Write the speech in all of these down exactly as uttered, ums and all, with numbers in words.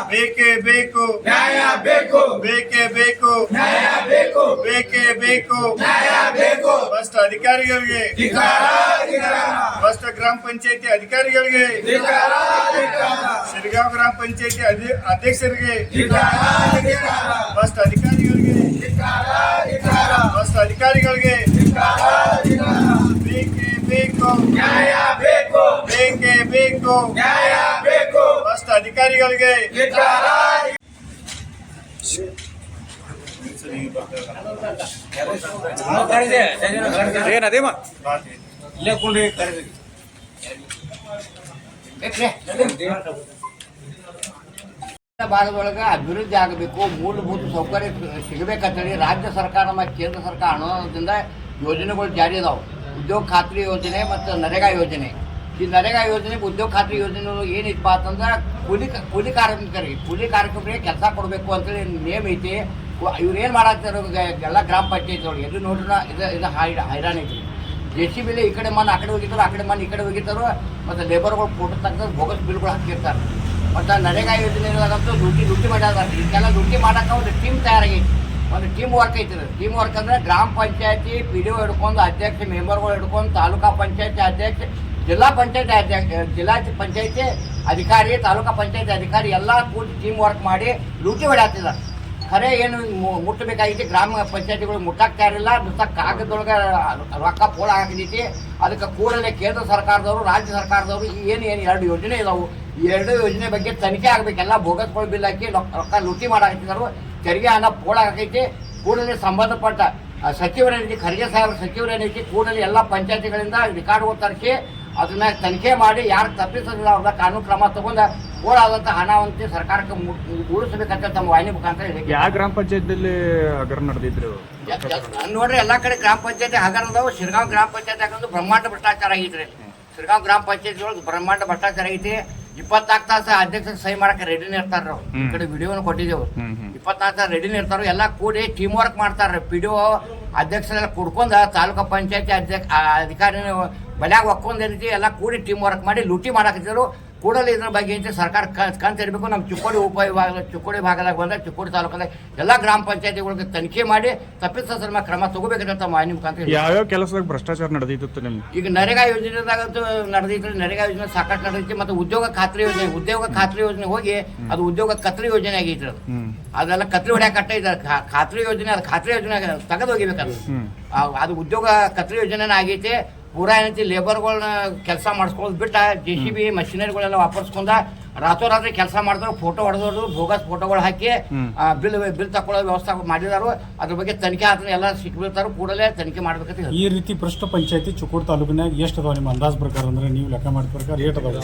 ಬೇಕೇ ಬೇಕು ನ್ಯಾಯ ಬೇಕು ಬೇಕೇ ಬೇಕು ನ್ಯಾಯ ಬೇಕು ಬೇಕೇ ಬೇಕು ನ್ಯಾಯ ಬೇಕು ಭ್ರಷ್ಟ ಅಧಿಕಾರಿಗಳಿಗೆ ಧಿಕ್ಕಾರ ಧಿಕ್ಕಾರ ಭ್ರಷ್ಟ ಗ್ರಾಮ ಪಂಚಾಯತಿ ಅಧಿಕಾರಿಗಳಿಗೆ ಧಿಕ್ಕಾರ ಧಿಕ್ಕಾರ ಶಿರಗಾಂವ್ ಗ್ರಾಮ ಪಂಚಾಯತಿ ಅಧ್ಯಕ್ಷರಿಗೆ ಧಿಕ್ಕಾರ ಧಿಕ್ಕಾರ ಭ್ರಷ್ಟ ಅಧಿಕಾರಿಗಳಿಗೆ ಧಿಕ್ಕಾರ ಧಿಕ್ಕಾರ ಭ್ರಷ್ಟ ಅಧಿಕಾರಿಗಳಿಗೆ ಧಿಕ್ಕಾರ ಧಿಕ್ಕಾರ ಬೇಕೇ ಬೇಕು ನ್ಯಾಯ ಬೇಕು ಬೇಕೇ ಬೇಕು ನ್ಯಾಯ ಬೇಕು ಭ್ರಷ್ಟ ಅಧಿಕಾರಿಗಳಿಗೆ ಧಿಕ್ಕಾರ ಏನದೇಮ ಇಲ್ಲೇ ಭಾಗದೊಳಗೆ ಅಭಿವೃದ್ಧಿ ಆಗಬೇಕು, ಮೂಲಭೂತ ಸೌಕರ್ಯ ಸಿಗಬೇಕಂತೇಳಿ ರಾಜ್ಯ ಸರ್ಕಾರ ಮತ್ತು ಕೇಂದ್ರ ಸರ್ಕಾರ ಅನುದಾನದಿಂದ ಯೋಜನೆಗಳು ಜಾರಿ ಅದಾವೆ. ಉದ್ಯೋಗ ಖಾತ್ರಿ ಯೋಜನೆ ಮತ್ತು ನರೇಗಾ ಯೋಜನೆ. ಈ ನರೇಗಾ ಯೋಜನೆ ಉದ್ಯೋಗ ಖಾತ್ರಿ ಯೋಜನೆ ಏನಿತ್ತಪ್ಪ ಅಂತಂದ್ರೆ ಕೂಲಿ ಕೂಲಿ ಕಾರ್ಮಿಕರಿಗೆ ಕೂಲಿ ಕಾರ್ಮಿಕರಿಗೆ ಕೆಲಸ ಕೊಡಬೇಕು ಅಂತೇಳಿ ನೇಮ್ ಐತಿ. ಇವ್ರು ಏನು ಮಾಡಾಕ್ತಾರೋ ಎಲ್ಲ ಗ್ರಾಮ ಪಂಚಾಯತ್ ಒಳಗೆ ಎಲ್ಲಿ ನೋಡ್ರಿ ಇದು ಇದು ಹೈ ಹೈರಾಣ ಐತಿ. ಜೆ ಸಿ ಬಿಲಿ ಈ ಕಡೆ ಮಣ್ಣು ಆ ಕಡೆ ಹೋಗಿದ್ರು, ಆ ಕಡೆ ಮಣ್ಣು ಈ ಕಡೆ ಹೋಗಿರ್ತಾರೋ, ಮತ್ತು ಲೇಬರ್ಗಳು ಫೋಟೋ ತೆಗೆದು ಬೋಗಸ್ ಬಿಲ್ಗಳು ಹಾಕಿರ್ತಾರೆ. ಮತ್ತು ನರೇಗಾ ಯೋಜನೆಗಳಂತೂ ಡ್ಯೂಟಿ ಡ್ಯೂಟಿ ಮಾಡ್ಯಾರ. ಇದಕ್ಕೆಲ್ಲ ಡ್ಯೂಟಿ ಮಾಡೋಕೆ ಒಂದು ಟೀಮ್ ತಯಾರಾಗೈತಿ, ಒಂದು ಟೀಮ್ ವರ್ಕ್ ಐತಿ. ಟೀಮ್ ವರ್ಕ್ ಅಂದರೆ ಗ್ರಾಮ ಪಂಚಾಯತಿ ಪಿ ಡಿ ಒ ಹಿಡ್ಕೊಂಡು ಅಧ್ಯಕ್ಷ ಮೆಂಬರ್ಗಳು ಹಿಡ್ಕೊಂಡು ತಾಲೂಕಾ ಪಂಚಾಯತಿ ಅಧ್ಯಕ್ಷ, ಜಿಲ್ಲಾ ಪಂಚಾಯತಿ ಅಧ್ಯಕ್ಷ, ಜಿಲ್ಲಾ ಪಂಚಾಯತಿ ಅಧಿಕಾರಿ, ತಾಲೂಕಾ ಪಂಚಾಯತಿ ಅಧಿಕಾರಿ ಎಲ್ಲ ಕೂಡಿ ಟೀಮ್ ವರ್ಕ್ ಮಾಡಿ ಲೂಟಿ ಹೊಡ್ಯಾತಿದ್ದಾರೆ. ಖರೆ ಏನು ಮುಟ್ಟಬೇಕಾಗಿತ್ತು ಗ್ರಾಮ ಪಂಚಾಯತಿಗಳು ಮುಟ್ಟಾಕ್ತಾ ಇರಲಿಲ್ಲ. ನುಸ್ತ ಕಾಗದೊಳಗೆ ರೊಕ್ಕ ಪೋಳ ಹಾಕಿದೈತಿ. ಅದಕ್ಕೆ ಕೂಡಲೇ ಕೇಂದ್ರ ಸರ್ಕಾರದವರು ರಾಜ್ಯ ಸರ್ಕಾರದವರು ಏನು ಏನು ಎರಡು ಯೋಜನೆ ಇದಾವೆ, ಈ ಎರಡು ಯೋಜನೆ ಬಗ್ಗೆ ತನಿಖೆ ಆಗಬೇಕೆಲ್ಲ. ಬೋಗಸ್ಗಳು ಬಿಲ್ ಹಾಕಿ ರೊಕ್ಕ ಲೂಟಿ ಮಾಡಾಕತ್ತಿದ್ದಾರೆ. ತೆರಿಗೆ ಹಣ ಪೋಳ ಹಾಕೈತಿ. ಕೂಡಲೇ ಸಂಬಂಧಪಟ್ಟ ಸಚಿವರೇನೈತಿ, ಖರ್ಗೆ ಸಾಹೇಬ್ ಸಚಿವರೇನೈತಿ, ಕೂಡಲೇ ಎಲ್ಲ ಪಂಚಾಯತಿಗಳಿಂದ ರೆಕಾರ್ಡ್ಗಳು ತರಿಸಿ ಅದನ್ನ ತನಿಖೆ ಮಾಡಿ ಯಾರು ತಪ್ಪಿಸೋದಿಲ್ಲ ಅವ್ರ ಕಾನೂನು ಕ್ರಮ ತಗೊಂಡು ಓಡಾದಂಥ ಹಣವಂತೆ ಸರ್ಕಾರಕ್ಕೆ ಉಳಿಸಬೇಕಂತ ತಮ್ಮ ವಾಹಿನಿ ಮುಖಾಂತರ ಹೇಳಿ. ಯಾವ ಗ್ರಾಮ ಪಂಚಾಯತ್ನಲ್ಲಿ ಹಗರ ನಡೆದಿದ್ರು ನೋಡ್ರಿ, ಎಲ್ಲಾ ಕಡೆ ಗ್ರಾಮ ಪಂಚಾಯತಿ ಹಗರ ಅದಾವ. ಶಿರಗಾಂವ್ ಗ್ರಾಮ ಪಂಚಾಯತಿ ಹಾಕಂದ್ರೆ ಬ್ರಹ್ಮಾಂಡ ಭ್ರಷ್ಟಾಚಾರ ಆಗೈತ್ರಿ. ಶಿರಗಾಂವ್ ಗ್ರಾಮ ಪಂಚಾಯತಿ ಒಳಗೆ ಬ್ರಹ್ಮಾಂಡ ಭ್ರಷ್ಟಾಚಾರ ಐತಿ. ಇಪ್ಪತ್ನಾಲ್ಕು ತಾಸ ಅಧ್ಯಕ್ಷ ಸಹಿ ಮಾಡಕ್ಕೆ ರೆಡಿನ ಇರ್ತಾರ. ಈ ಕಡೆ ವಿಡಿಯೋನ ಕೊಟ್ಟಿದ್ದೇವೆ. ಇಪ್ಪತ್ನಾಲ್ಕು ತಾಸ ರೆಡಿನ ಇರ್ತಾರ. ಎಲ್ಲ ಕೂಡಿ ಟೀಮ್ ವರ್ಕ್ ಮಾಡ್ತಾರ. ಪಿ ಡಿ ಒ ಅಧ್ಯಕ್ಷರೆಲ್ಲ ಕುಡ್ಕೊಂಡ ತಾಲೂಕಾ ಪಂಚಾಯತಿ ಅಧ್ಯಕ್ಷ ಅಧಿಕಾರಿ ಬಲ್ಯಾಗ ಒಕ್ಕೊಂಡ್ ರೀತಿ ಎಲ್ಲ ಕೂಡಿ ಟೀಮ್ ವರ್ಕ್ ಮಾಡಿ ಲೂಟಿ ಮಾಡಾಕಿದ್ರು. ಕೂಡಲೇ ಇದ್ರ ಬಗ್ಗೆ ಐತಿ ಸರ್ಕಾರ ಕಂತ ಇರಬೇಕು. ನಮ್ಮ ಚಿಕ್ಕೋಡಿ ಉಪವಿಭಾಗ ಚಿಕ್ಕೋಡಿ ಭಾಗದಾಗ ಬಂದ ಚಿಕ್ಕೋಡಿ ತಾಲೂಕದಾಗ ಎಲ್ಲ ಗ್ರಾಮ ಪಂಚಾಯತಿಗಳಿಗೆ ತನಿಖೆ ಮಾಡಿ ತಪ್ಪಿಸೋದ್ರ ಮೇಲೆ ಕ್ರಮ ತಗೋಬೇಕಂತ ಮಾಹಿತಿ ಮುಖಾಂತರ. ಯಾವ್ಯಾವ ಕೆಲಸದಾಗ ಭ್ರಷ್ಟಾಚಾರ ನಡೆದಿತ್ತು ನಿಮ್ಗೆ? ಈಗ ನರೇಗಾ ಯೋಜನೆದಾಗಂತೂ ನಡೆದಿತ್ತು. ನರೇಗಾ ಯೋಜನೆ ಸಾಕಷ್ಟು ನಡೆದೈತಿ. ಮತ್ತು ಉದ್ಯೋಗ ಖಾತ್ರಿ ಯೋಜನೆ ಉದ್ಯೋಗ ಖಾತ್ರಿ ಯೋಜನೆ ಹೋಗಿ ಅದು ಉದ್ಯೋಗ ಕತ್ರಿ ಯೋಜನೆ ಆಗೈತಿ. ಅದು ಅದೆಲ್ಲ ಕತ್ರಿ ಹೊಡ್ಯಾಕ ಕಟ್ಟ ಇದೆ. ಖಾತ್ರಿ ಯೋಜನೆ ಅದು ಖಾತ್ರಿ ಯೋಜನೆ ತೆಗೆದು ಹೋಗಿಬೇಕದು. ಅದು ಉದ್ಯೋಗ ಕತ್ರಿ ಯೋಜನೆ ಆಗೈತಿ. ಪೂರಾ ಏನೈತಿ ಲೇಬರ್ಗಳನ್ನ ಕೆಲಸ ಮಾಡಿಸ್ಕೊಳ್ಳೋದು ಬಿಟ್ಟ ಜೆ ಸಿ ಬಿ ಮಷಿನರಿಗಳೆಲ್ಲ ವಾಪರ್ಸ್ಕೊಂಡ ರಾತ್ರೋರಾತ್ರಿ ಕೆಲಸ ಮಾಡಿದ್ರು. ಫೋಟೋ ಹೊಡೆದವರು ಬೋಗಸ್ ಫೋಟೋಗಳು ಹಾಕಿ ಬಿಲ್ ಬಿಲ್ ತಗೊಳ್ಳೋ ವ್ಯವಸ್ಥೆ ಮಾಡಿದಾರು. ಅದ್ರ ಬಗ್ಗೆ ತನಿಖೆ ಆದ್ರೆ ಎಲ್ಲ ಸಿಕ್ಬಿಡ್ತಾರು. ಕೂಡಲೇ ತನಿಖೆ ಮಾಡ್ಬೇಕಂತ. ಈ ರೀತಿ ಭ್ರಷ್ಟ ಪಂಚಾಯತಿ ಚಿಕ್ಕೋಡಿ ತಾಲೂಕಿನಾಗ ಎಷ್ಟು ಅದಾವ ನಿಮ್ಮ ಅಂದಾಜ್ ಪ್ರಕಾರ? ಅಂದ್ರೆ ನೀವು ಲೆಕ್ಕ ಮಾಡಿದ ಪ್ರಕಾರ ಏಟ್ ಅದಾವ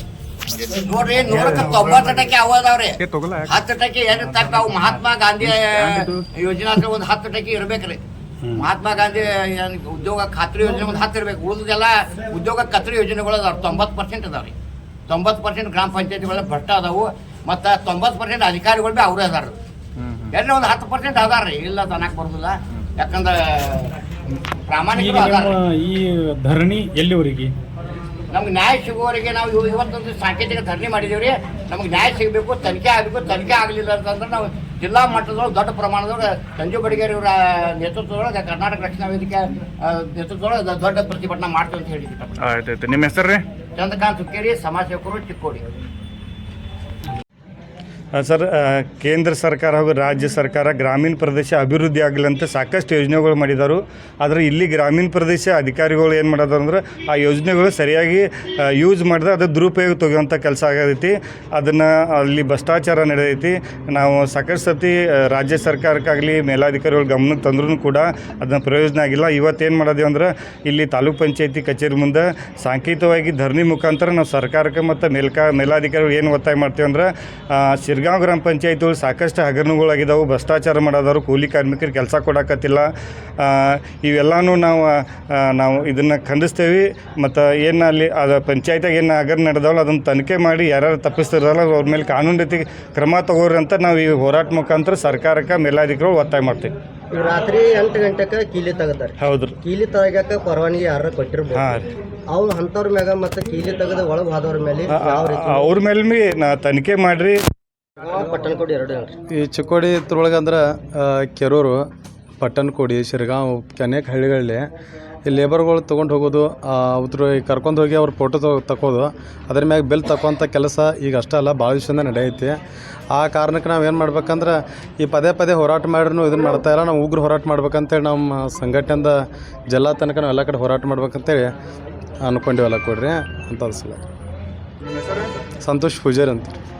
ನೋಡ್ರಿ? ನೂರಕ್ಕೆ ತೊಂಬತ್ತು ಟಕ್ಕೆ ಅವದಾವ್ರಿ. ಹತ್ತು ಟಕ್ಕೆ ಏನು ತಕ್ಕ ಅವು ಮಹಾತ್ಮ ಗಾಂಧಿ ಯೋಜನಾ ಅಂದ್ರೆ ಒಂದು ಹತ್ತು ಟಕ್ಕೆ ಇರ್ಬೇಕ್ರಿ. ಮಹಾತ್ಮ ಗಾಂಧಿ ಉದ್ಯೋಗ ಖಾತ್ರಿ ಯೋಜನೆ ಒಂದು ಹತ್ತು ಇರ್ಬೇಕು. ಉಳಿದೆಲ್ಲ ಉದ್ಯೋಗ ಖಾತ್ರಿ ಯೋಜನೆಗಳು ಅದಾವ. ತೊಂಬತ್ತು ಪರ್ಸೆಂಟ್ ಅದಾವ್ರಿ. ತೊಂಬತ್ತು ಪರ್ಸೆಂಟ್ ಗ್ರಾಮ ಪಂಚಾಯತಿಗಳ ಭ್ರಷ್ಟ ಅದಾವು. ಮತ್ತು ತೊಂಬತ್ತು ಪರ್ಸೆಂಟ್ ಅಧಿಕಾರಿಗಳು ಭೀ ಅವರೇ ಅದಾರ. ಎಲ್ಲ ಒಂದು ಹತ್ತು ಪರ್ಸೆಂಟ್ ಅದಾರ್ರಿ. ಇಲ್ಲ ತನಕ ಬರೋದಿಲ್ಲ. ಯಾಕಂದ್ರೆ ಪ್ರಾಮಾಣಿಕರು ಅದಾರ. ಈ ಧರಣಿ ಎಲ್ಲಿವರೆಗೆ? ನಮ್ಗೆ ನ್ಯಾಯ ಸಿಗುವವರೆಗೆ ನಾವು ಇವತ್ತೊಂದು ಸಾಂಕೇತಿಕ ಧರಣಿ ಮಾಡಿದೇವ್ರಿ. ನಮ್ಗೆ ನ್ಯಾಯ ಸಿಗಬೇಕು, ತನಿಖೆ ಆಗಬೇಕು. ತನಿಖೆ ಆಗಲಿಲ್ಲ ಅಂತಂದ್ರೆ ನಾವು ಜಿಲ್ಲಾ ಮಟ್ಟದೊಳಗೆ ದೊಡ್ಡ ಪ್ರಮಾಣದೊಳಗೆ ಸಂಜು ಬಡಿಗೇರಿ ಅವರ ನೇತೃತ್ವದೊಳಗೆ ಕರ್ನಾಟಕ ರಕ್ಷಣಾ ವೇದಿಕೆ ನೇತೃತ್ವದೊಳಗೆ ದೊಡ್ಡ ಪ್ರತಿಭಟನೆ ಮಾಡ್ತೀವಿ ಅಂತ ಹೇಳಿದ್ವಿ. ಆಯ್ತಾಯ್ತು. ನಿಮ್ಮ ಹೆಸರು ರೀ? ಚಂದ್ರಕಾಂತ್ ಹುಕ್ಕೇರಿ, ಸಮಾಜ ಸೇವಕರು, ಚಿಕ್ಕೋಡಿ. ಸರ್, ಕೇಂದ್ರ ಸರ್ಕಾರ ಹಾಗೂ ರಾಜ್ಯ ಸರ್ಕಾರ ಗ್ರಾಮೀಣ ಪ್ರದೇಶ ಅಭಿವೃದ್ಧಿ ಆಗಲಿ ಅಂತ ಸಾಕಷ್ಟು ಯೋಜನೆಗಳು ಮಾಡಿದರು. ಆದರೆ ಇಲ್ಲಿ ಗ್ರಾಮೀಣ ಪ್ರದೇಶ ಅಧಿಕಾರಿಗಳು ಏನು ಮಾಡೋದು ಅಂದ್ರೆ ಆ ಯೋಜನೆಗಳು ಸರಿಯಾಗಿ ಯೂಸ್ ಮಾಡಿದ್ರೆ ಅದು ದುರುಪಯೋಗ ತೆಗೆಯುವಂಥ ಕೆಲಸ ಆಗೈತಿ. ಅದನ್ನು ಅಲ್ಲಿ ಭ್ರಷ್ಟಾಚಾರ ನಡೆದೈತಿ. ನಾವು ಸಾಕಷ್ಟು ಸತಿ ರಾಜ್ಯ ಸರ್ಕಾರಕ್ಕಾಗಲಿ ಮೇಲಾಧಿಕಾರಿಗಳು ಗಮನಕ್ಕೆ ತಂದ್ರೂ ಕೂಡ ಅದನ್ನ ಪ್ರಯೋಜನ ಆಗಿಲ್ಲ. ಇವತ್ತೇನು ಮಾಡೋದು ಅಂದ್ರೆ ಇಲ್ಲಿ ತಾಲೂಕ್ ಪಂಚಾಯತಿ ಕಚೇರಿ ಮುಂದೆ ಸಾಂಕೇತಿಕವಾಗಿ ಧರಣಿ ಮುಖಾಂತರ ನಾವು ಸರ್ಕಾರಕ್ಕೆ ಮತ್ತು ಮೇಲ್ಕಾ ಮೇಲಾಧಿಕಾರಿಗಳು ಏನು ಒತ್ತಾಯ ಮಾಡ್ತೀವಿ ಅಂದ್ರೆ ಶಿರಗಾಂವ್ ಗ್ರಾಮ ಪಂಚಾಯತಿಗಳು ಸಾಕಷ್ಟು ಹಗರಣಗಳಾಗಿದ್ದಾವೆ. ಭ್ರಷ್ಟಾಚಾರ ಮಾಡೋದವರು, ಕೂಲಿ ಕಾರ್ಮಿಕರಿಗೆ ಕೆಲಸ ಕೊಡೋಕತ್ತಿಲ್ಲ. ಇವೆಲ್ಲನೂ ನಾವು ನಾವು ಇದನ್ನು ಖಂಡಿಸ್ತೇವೆ. ಮತ್ತು ಏನು ಅಲ್ಲಿ ಅದು ಪಂಚಾಯತಿಯಾಗ ಏನು ಹಗರಣ ನಡೆದವಲ್ಲ ಅದನ್ನು ತನಿಖೆ ಮಾಡಿ ಯಾರ್ಯಾರು ತಪ್ಪಿಸ್ತಿರಲ್ಲ ಅವ್ರ ಮೇಲೆ ಕಾನೂನು ರೀತಿ ಕ್ರಮ ತಗೋರಿ ಅಂತ ನಾವು ಈ ಹೋರಾಟ ಮುಖಾಂತರ ಸರ್ಕಾರಕ್ಕೆ ಮೇಲಾಧಿಕಾರಿಗಳು ಒತ್ತಾಯ ಮಾಡ್ತೀವಿ. ರಾತ್ರಿ ಎಂಟು ಗಂಟೆಗೆ ಕೀಲಿ ತೆಗದಾರೆ. ಹೌದು. ಕೀಲಿ ತೆಗಿಯಕ್ಕೆ ಪರವಾನಗಿ ಯಾರು ಕೊಟ್ಟಿರ್ಬೋದು. ಅವ್ರು ಅಂಥವ್ರ ಮ್ಯಾಗ ಮತ್ತು ಕೀಲಿ ತೆಗೆದು ಒಳಗೆ ಹೋದವ್ರ ಮೇಲೆ ಅವ್ರ ಮೇಲೆ ಭೀ ನಾ ತನಿಖೆ ಮಾಡಿರಿ. ಪಟ್ಟಣಕೋಡಿ ಎರಡು ಹೇಳ್ರಿ. ಈ ಚಿಕ್ಕೋಡಿ ಇದ್ರೊಳಗೆ ಅಂದ್ರೆ ಕೆರೂರು, ಪಟ್ಟಣಕೋಡಿ, ಶಿರಗಾಂವ್ ಅನೇಕ ಹಳ್ಳಿಗಳಲ್ಲಿ ಈ ಲೇಬರ್ಗಳು ತೊಗೊಂಡು ಹೋಗೋದು, ಅವ್ರು ಕರ್ಕೊಂಡು ಹೋಗಿ ಅವ್ರ ಫೋಟೋ ತಗೋ ತಗೋದು ಅದ್ರ ಮ್ಯಾಗ ಬಿಲ್ ತಗೋಂಥ ಕೆಲಸ ಈಗ ಅಷ್ಟೇ ಅಲ್ಲ, ಭಾಳ ದಿವಸದಿಂದ ನಡೆಯೈತಿ. ಆ ಕಾರಣಕ್ಕೆ ನಾವು ಏನು ಮಾಡ್ಬೇಕಂದ್ರೆ ಈ ಪದೇ ಪದೇ ಹೋರಾಟ ಮಾಡಿದ್ರು ಇದನ್ನು ಮಾಡ್ತಾಯಿಲ್ಲ. ನಾವು ಉಗ್ರ ಹೋರಾಟ ಮಾಡ್ಬೇಕಂತೇಳಿ ನಮ್ಮ ಸಂಘಟನೆಯಿಂದ ಜಿಲ್ಲಾ ತನಕ ನಾವು ಎಲ್ಲ ಕಡೆ ಹೋರಾಟ ಮಾಡ್ಬೇಕಂತೇಳಿ ಅಂದ್ಕೊಂಡಿವಲ್ಲ ಕೊಡ್ರಿ ಅಂತ ಅನ್ಸಲ್ಲ. ಸಂತೋಷ್ ಪೂಜಾರಿ ಅಂತ.